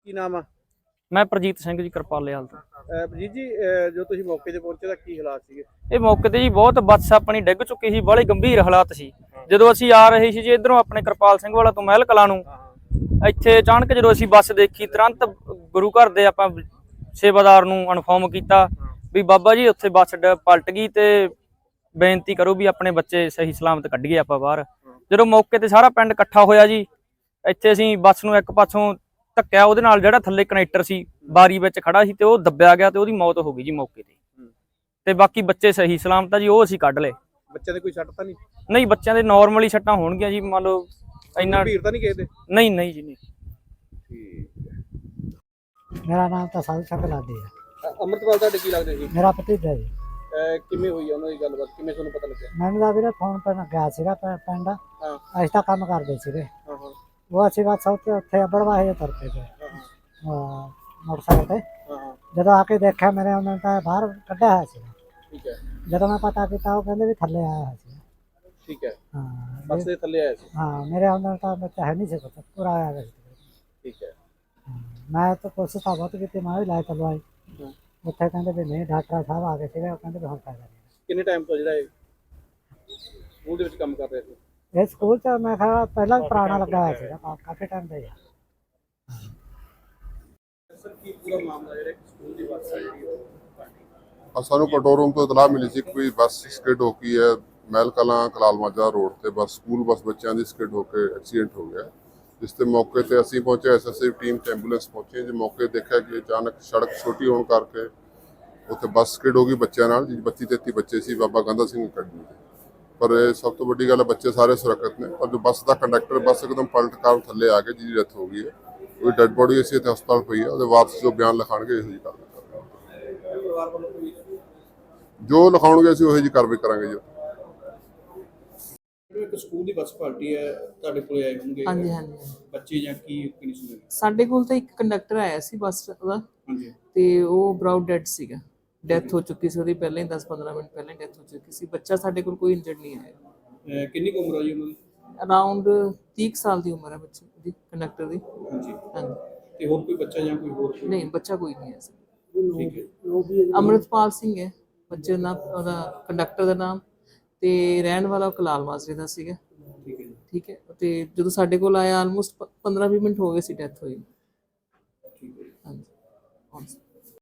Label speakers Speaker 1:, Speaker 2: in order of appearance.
Speaker 1: ਕੀ ਨਾਮ ਆ?
Speaker 2: ਮੈਂ ਪ੍ਰਜੀਤ ਸਿੰਘ ਜੀ, ਕਿਰਪਾਲੇਵਾਲ ਤੋਂ।
Speaker 1: ਪ੍ਰਜੀਤ ਜੀ, ਜੋ ਤੁਸੀਂ ਮੌਕੇ ਤੇ ਪਹੁੰਚੇ ਤਾਂ ਕੀ ਹਾਲਾਤ ਸੀਗੇ?
Speaker 2: ਇਹ ਮੌਕੇ ਤੇ ਜੀ ਬਹੁਤ ਬੱਸ ਆਪਣੀ ਡਿੱਗ ਚੁੱਕੀ ਸੀ, ਬੜੇ ਗੰਭੀਰ ਹਾਲਾਤ ਸੀ। ਜਦੋਂ ਅਸੀਂ ਆ ਰਹੇ ਸੀ ਜੀ ਇਧਰੋਂ ਆਪਣੇ ਕਿਰਪਾਲ ਸਿੰਘ ਵਾਲਾ ਤੋਂ ਮਹਿਲ ਕਲਾਂ ਨੂੰ, ਇੱਥੇ ਅਚਾਨਕ ਜਦੋਂ ਅਸੀਂ ਬੱਸ ਦੇਖੀ, ਤੁਰੰਤ ਗੁਰੂ ਘਰ ਦੇ ਆਪਾਂ ਸੇਵਾਦਾਰ ਨੂੰ ਇਨਫੋਰਮ ਕੀਤਾ ਵੀ ਬਾਬਾ ਜੀ ਉੱਥੇ ਬੱਸ ਪਲਟ ਗਈ ਤੇ ਬੇਨਤੀ ਕਰੋ ਵੀ ਆਪਣੇ ਬੱਚੇ ਸਹੀ ਸਲਾਮਤ ਕੱਢੀਏ ਆਪਾਂ ਬਾਹਰ। ਜਦੋਂ ਮੌਕੇ ਤੇ ਸਾਰਾ ਪਿੰਡ ਇਕੱਠਾ ਹੋਇਆ ਜੀ, ਇੱਥੇ ਅਸੀਂ ਬੱਸ ਨੂੰ ਇੱਕ ਪਾਸੋਂ ਧੱਕਿਆ, ਉਹਦੇ ਨਾਲ ਜਿਹੜਾ ਥੱਲੇ ਕਨੈਕਟਰ ਸੀ ਬਾਰੀ ਵਿੱਚ ਖੜਾ ਸੀ ਤੇ ਉਹ ਦੱਬਿਆ ਗਿਆ ਤੇ ਉਹਦੀ ਮੌਤ ਹੋ ਗਈ ਜੀ ਮੌਕੇ ਤੇ ਬਾਕੀ ਬੱਚੇ ਸਹੀ ਸਲਾਮਤ ਆ ਜੀ, ਉਹ ਅਸੀਂ ਕੱਢ ਲਏ।
Speaker 1: ਬੱਚਿਆਂ ਦੇ ਕੋਈ ਸੱਟ ਤਾਂ ਨਹੀਂ?
Speaker 2: ਨਹੀਂ, ਬੱਚਿਆਂ ਦੇ ਨਾਰਮਲੀ ਸੱਟਾਂ ਹੋਣਗੀਆਂ ਜੀ, ਮੰਨ ਲਓ ਇੰਨਾ
Speaker 1: ਭੀੜ ਤਾਂ ਨਹੀਂ ਕਿਸੇ ਦੇ?
Speaker 2: ਨਹੀਂ ਨਹੀਂ ਜੀ, ਨਹੀਂ।
Speaker 3: मेरा नाम तो साधु शंकर लाडी है।
Speaker 1: ਅੰਮ੍ਰਿਤਪਾਲ ਤੁਹਾਡੇ ਕੀ ਲੱਗਦੇ ਸੀ?
Speaker 3: मेरा भतीजा जी।
Speaker 1: ਕਿਵੇਂ ਹੋਈ ਉਹਨਾਂ ਦੀ ਗੱਲਬਾਤ, ਕਿਵੇਂ ਤੁਹਾਨੂੰ ਪਤਾ ਲੱਗਿਆ?
Speaker 3: मैंने तो ਵੀਰੇ ਫੋਨ ਪਰ ਗਿਆ ਸੀਗਾ ਪਿੰਡ।
Speaker 1: ਹਾਂ
Speaker 3: ਅਸੀਂ ਤਾਂ ਕੰਮ ਕਰਦੇ ਸੀਗੇ।
Speaker 1: ਹਾਂ ਹਾਂ
Speaker 3: ਉਹ ਅਸੀਂ ਬਸ ਉੱਥੇ ਬੜਵਾਹੇ ਤੁਰ ਪਏ ਤੇ ਮੋਟਰਸਾਈਕਲ ਤੇ।
Speaker 1: ਹਾਂ
Speaker 3: ਜਦੋਂ ਆ ਕੇ ਦੇਖਿਆ ਮੇਰੇ ਉਹਨਾਂ ਨੇ ਤਾਂ ਬਾਹਰ ਕੱਢਿਆ ਹੋਇਆ ਸੀ।
Speaker 1: ਠੀਕ ਹੈ
Speaker 3: ਜਦੋਂ ਮੈਂ ਪਤਾ ਕੀਤਾ ਉਹ ਕਹਿੰਦੇ ਵੀ ਥੱਲੇ ਆਇਆ ਹੋਇਆ ਸੀ।
Speaker 1: ਠੀਕ ਹੈ।
Speaker 3: ਹਾਂ
Speaker 1: ਬੱਸ ਦੇ ਥੱਲੇ ਆਇਆ ਸੀ?
Speaker 3: ਹਾਂ, ਮੇਰੇ ਉਹਨਾਂ ਤਾਂ ਬੱਚਾ ਹੈ ਨਹੀਂ ਸੀ, ਪਤਾ ਪੂਰਾ ਆਇਆ ਹੋਇਆ ਸੀ।
Speaker 1: ਠੀਕ ਹੈ।
Speaker 3: ਮੈਂ ਤਾਂ ਕੋਸ਼ਿਸ਼ ਤਾਂ ਬਹੁਤ ਕੀਤੀ, ਮੈਂ ਵੀ ਲੈ ਚਲਵਾਈ। ਉੱਥੇ ਕਹਿੰਦੇ ਵੀ ਨਹੀਂ, ਡਾਕਟਰ ਸਾਹਿਬ ਆ ਗਏ ਸੀਗੇ, ਉਹ ਕਹਿੰਦੇ ਵੀ ਹੁਣ ਫਾਇਦਾ ਨਹੀਂ।
Speaker 1: ਕਿੰਨੇ ਟਾਈਮ ਤੋਂ ਜਿਹੜਾ ਇਹ ਸਕੂਲ ਦੇ ਵਿੱਚ ਕੰਮ ਕਰ ਰਹੇ ਸੀ?
Speaker 3: ਇਹ ਸਕੂਲ ਚ ਮੈਂ ਕਿਹਾ ਪਹਿਲਾਂ ਪੁਰਾਣਾ ਲੱਗਾ ਹੋਇਆ ਸੀਗਾ, ਕਾਫੀ ਟਾਈਮ ਦਾ ਹੀ ਆ।
Speaker 1: ਸਰ, ਕੀ ਪੂਰਾ ਮਾਮਲਾ ਜਿਹੜਾ ਸਕੂਲ ਦੀ ਬੱਸ ਹੈ ਜਿਹੜੀ
Speaker 4: ਸਾਨੂੰ ਕੰਟਰੋਲ ਰੂਮ ਤੋਂ ਇਤਲਾਹ ਮਿਲੀ ਸੀ ਕੋਈ ਬੱਸ ਸਕਿਡ ਹੋ ਗਈ ਹੈ ਮਹਿਲ ਕਲਾਂ ਕਲਾਲ ਮਾਜਰਾ ਰੋਡ ਤੇ। ਬੱਸ ਸਕੂਲ ਬੱਸ ਬੱਚਿਆਂ ਦੀ ਸਕਿਡ ਹੋ ਕੇ ਐਕਸੀਡੈਂਟ ਹੋ ਗਿਆ, ਜਿਸ ਤੇ ਮੌਕੇ ਤੇ ਅਸੀਂ ਪਹੁੰਚੇ, ਐਸਐਸਐਫ ਟੀਮ ਤੇ ਐਂਬੂਲੈਂਸ ਪਹੁੰਚੀ। ਜੇ ਮੌਕੇ ਦੇਖਿਆ ਕਿ ਅਚਾਨਕ ਸੜਕ ਛੋਟੀ ਹੋਣ ਕਰਕੇ ਉੱਥੇ ਬੱਸ ਸਕਿਡ ਹੋ ਗਈ ਬੱਚਿਆਂ ਨਾਲ, 32-33 ਬੱਚੇ ਸੀ ਬਾਬਾ ਗੰਦਾ ਸਿੰਘ ਅਕੈਡਮੀ ਦੇ। ਪਰ ਇਹ ਸਭ ਤੋਂ ਵੱਡੀ ਗੱਲ ਹੈ, ਬੱਚੇ ਸਾਰੇ ਸੁਰੱਖਿਅਤ ਨੇ, ਪਰ ਜੋ ਬੱਸ ਦਾ ਕੰਡਕਟਰ ਬੱਸ ਇੱਕਦਮ ਪਲਟ ਕਰ ਥੱਲੇ ਆ ਕੇ ਜਿਹਦੀ ਡੈਥ ਹੋ ਗਈ ਹੈ, ਉਹ ਡੈਡ ਬੋਡੀ ਅਸੀਂ ਇੱਥੇ ਹਸਪਤਾਲ ਪਈ ਹੈ। ਉਹਦੇ ਵਾਰਸ ਜੋ ਬਿਆਨ ਲਿਖਾਉਣਗੇ ਇਹੋ ਜਿਹੀ ਕਾਰਵਾਈ ਕਰਾਂਗੇ,
Speaker 1: ਪਰਿਵਾਰ ਵੱਲੋਂ ਕੋਈ
Speaker 4: ਜੋ ਲਿਖਾਉਣਗੇ ਅਸੀਂ ਉਹੋ ਜਿਹੀ ਕਾਰਵਾਈ ਕਰਾਂਗੇ ਜੀ।
Speaker 1: ਇੱਕ ਸਕੂਲ ਦੀ ਬੱਸ ਪਾਰਟੀ ਹੈ, ਤੁਹਾਡੇ ਕੋਲੇ ਆਏ ਹੋਣਗੇ?
Speaker 5: ਹਾਂਜੀ ਹਾਂਜੀ।
Speaker 1: ਬੱਚੇ ਜਾਂ ਕੀ ਕੰਡੀਸ਼ਨ ਹੈ?
Speaker 5: ਸਾਡੇ ਕੋਲ ਤਾਂ ਇੱਕ ਕੰਡਕਟਰ ਆਇਆ ਸੀ ਬੱਸ ਦਾ,
Speaker 1: ਹਾਂਜੀ
Speaker 5: ਤੇ ਉਹ ਬਰਾਊਡ ਡੈਡ ਸੀਗਾ, ਡੈਥ ਹੋ ਚੁੱਕੀ ਸੀ ਉਹਦੀ ਪਹਿਲਾਂ ਹੀ, 10-15 ਮਿੰਟ ਪਹਿਲਾਂ ਡੈਥ ਹੋ ਚੁੱਕੀ ਸੀ। ਬੱਚਾ ਸਾਡੇ ਕੋਲ ਕੋਈ ਇੰਜਰਡ ਨਹੀਂ ਆਇਆ।
Speaker 1: ਕਿੰਨੀ ਕੁ ਉਮਰ ਆ ਜੀ ਉਹਨਾਂ ਦੀ?
Speaker 5: ਅਰਾਊਂਡ 30 ਸਾਲ ਦੀ ਉਮਰ ਹੈ ਬੱਚੇ ਦੀ, ਕੰਡਕਟਰ ਦੀ।
Speaker 1: ਹਾਂਜੀ।
Speaker 5: ਹਾਂਜੀ।
Speaker 1: ਤੇ ਹੋਰ ਕੋਈ ਬੱਚਾ ਜਾਂ ਕੋਈ ਹੋਰ?
Speaker 5: ਨਹੀਂ, ਬੱਚਾ ਕੋਈ ਨਹੀਂ ਹੈ।
Speaker 1: ਠੀਕ ਹੈ।
Speaker 5: ਅੰਮ੍ਰਿਤਪਾਲ ਸਿੰਘ ਹੈ ਬੱਚੇ ਦਾ ਨਾਮ, ਉਹਦਾ ਕੰਡਕਟਰ ਦਾ ਨਾਮ, ਤੇ ਰਹਿਣ ਵਾਲਾ ਕਲਾਲ ਮਾਜਰੇ ਦਾ ਸੀਗਾ।
Speaker 1: ਠੀਕ ਹੈ ਜੀ।
Speaker 5: ਠੀਕ ਹੈ। ਤੇ ਜਦੋਂ ਸਾਡੇ ਕੋਲ ਆਇਆ ਆਲਮੋਸਟ 15-20 ਮਿੰਟ ਹੋ ਗਏ ਸੀ ਡੈਥ ਹੋਈ।
Speaker 1: ਠੀਕ ਹੈ।
Speaker 5: ਹਾਂਜੀ।